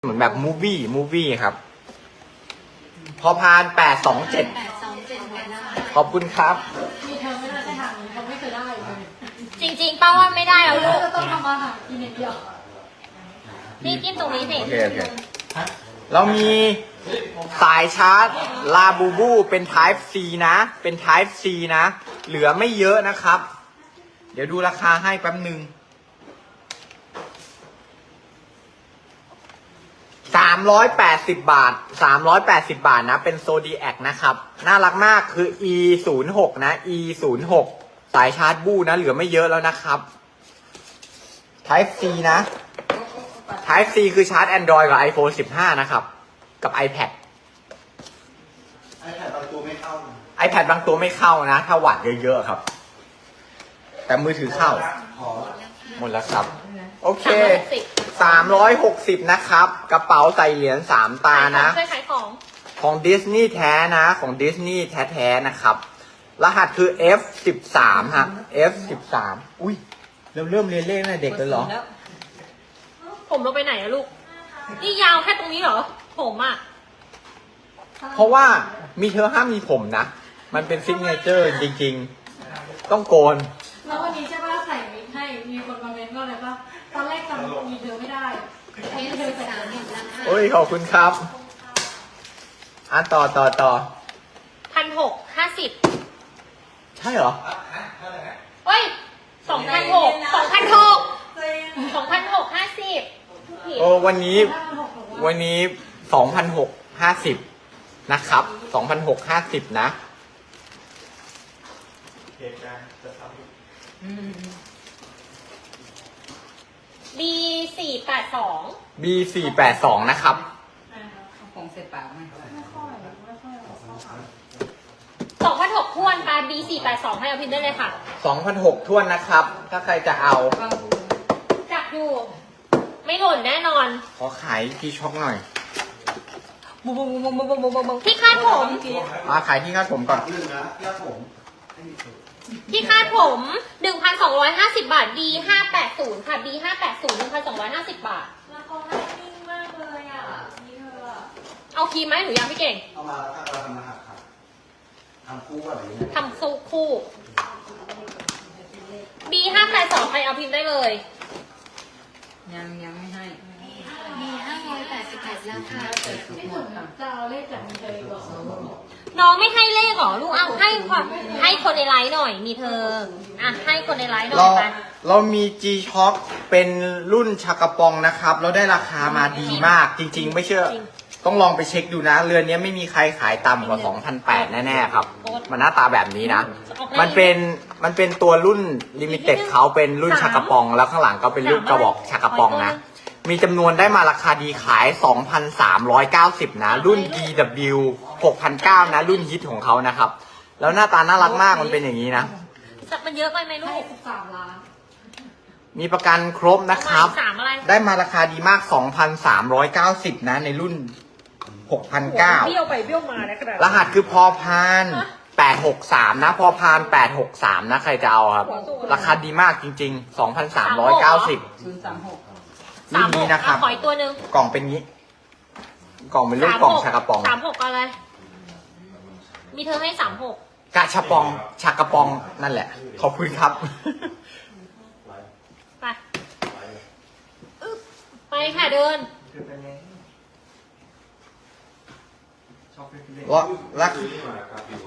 เหมือนแบบมูวี่ครับ พอพาน827ขอบคุณครับมีเธอไม่น่าจะทำเขาไม่เคยได้เลยจริงๆป้าว่าไม่ได้แล้วลูกจะต้องทำอาหารกินอย่างเดียวนี่จิ้มตรงนี้สิโอเคเรามีสายชาร์จลาบูบูเป็น Type C นะ เป็น Type C นะ เหลือไม่เยอะนะครับ เดี๋ยวดูราคาให้แป๊บหนึ่ง380 บาท 380 บาทนะ เป็นโซดีแอคนะครับ น่ารักมากคือ E06 นะ E06 สายชาร์จบูนะ เหลือไม่เยอะแล้วนะครับ Type C นะ Type C คือชาร์จ Android กับ iPhone 15 นะครับ กับ iPad iPad บางตัวไม่เข้า iPad บางตัวไม่เข้านะ ถ้าวัดเยอะๆครับ แต่มือถือเข้าขอหมดแล้วครับ โอเค 360 นะครับ กระเป๋าใส่เหรียญ3 ตานะช่วยขายของของดิสนีย์แท้นะ ของดิสนีย์แท้ๆนะครับ รหัสคือ F13 ฮะ F13 อุ้ยเริ่มเรียนเลขตั้งแต่เด็กเลยเหรอผมลงไปไหนอะลูก นี่ยาวแค่ตรงนี้เหรอ ผมอะเพราะว่ามีเธอห้ามมีผมนะ มันเป็นซิกเนเจอร์จริงๆ ต้องโกนแล้ววันนี้ใช่ป่ะใส่วิกให้ มีคนมาเม้นว่าอะไรป่ะตอนแรกจำมีเธอไม่ได้มีเธอใส่วิกโอ้ย ขอบคุณครับต่อ 1,650 ใช่เหรอเฮ้ย2,650 โอ้วันนี้ 2,650 นะครับ 2,650 นะเหตุการณ์จะทำ B482 B482 นะครับของเสร็จปากไหมไม่ค่อย 2,600ท้วนปลา B482 ให้เอาพิมพ์ได้เลยค่ะ 2,600ท้วนนะครับ ถ้าใครจะเอาจับอยู่ ไม่หล่นแน่นอนขอขายที่ช็อกหน่อยที่คาดผมมาขายที่คาดผมก่อนเรื่องนะเรื่องผมที่คาดผม 1,250 บาท B580 ค่ะ B580 1,250 บาาทแล้วเขาให้นิ่งมากเลยอ่ะ มีเธออ่ะเอาครีมไหมหรือยังพี่เก่งเอามาแล้วก็เราทำรหัสครับทำคู่แบบนี้ทำสู้คู่ B582 ใครเอาพิมพ์ได้เลยยังไม่ให้มี588แล้วค่ะไม่ถึงจะเอาเลขจากมีเธออีกเหรอน้องไม่ให้เลขเหรอลูกเอาให้ค่ะให้คนในไลน์หน่อย มีเธอ อ่ะ ให้คนในไลน์หน่อยไปเรามี G Shock เป็นรุ่นชากระปองนะครับ เราได้ราคามาดีมาก จริง ๆ ไม่เชื่อ ต้องลองไปเช็คดูนะ เรือนนี้ไม่มีใครขายต่ำกว่า 2,800 แน่ๆครับ มันหน้าตาแบบนี้นะ มันเป็นตัวรุ่นลิมิเต็ดเขาเป็นรุ่นชากระปอง แล้วข้างหลังก็เป็นรุ่นกระบอกชากระปองนะ มีจำนวนได้มาราคาดีขาย 2,390 นะ รุ่น DW 6,900 นะ รุ่นฮิตของเขานะครับ แล้วหน้าตาน่ารักมาก มันเป็นอย่างนี้นะมันเยอะไปไหมลูให้ก 13 ล้านมีประกันครบนะครับสามอะไรได้มาราคาดีมาก 2,390 นะ ในรุ่น 6,900 เบี้ยวไปเบี้ยวมาแล้วกระดาษรหัสคือพอพาน863 นะ พอพาน863 นะ ใครจะเอาครับ ราคาดีมากจริง ๆ 2,390 036 รุ่นนี้นะครับขออีกตัวหนึ่งกล่องเป็นงี้ กล่องเป็นรูปกล่องชากระปอง 36อะไร มีเธอให้36 กะชาปองชากระปองนั่นแหละ ขอบคุณครับไปอึ๊บไปค่ะเดินแล้ว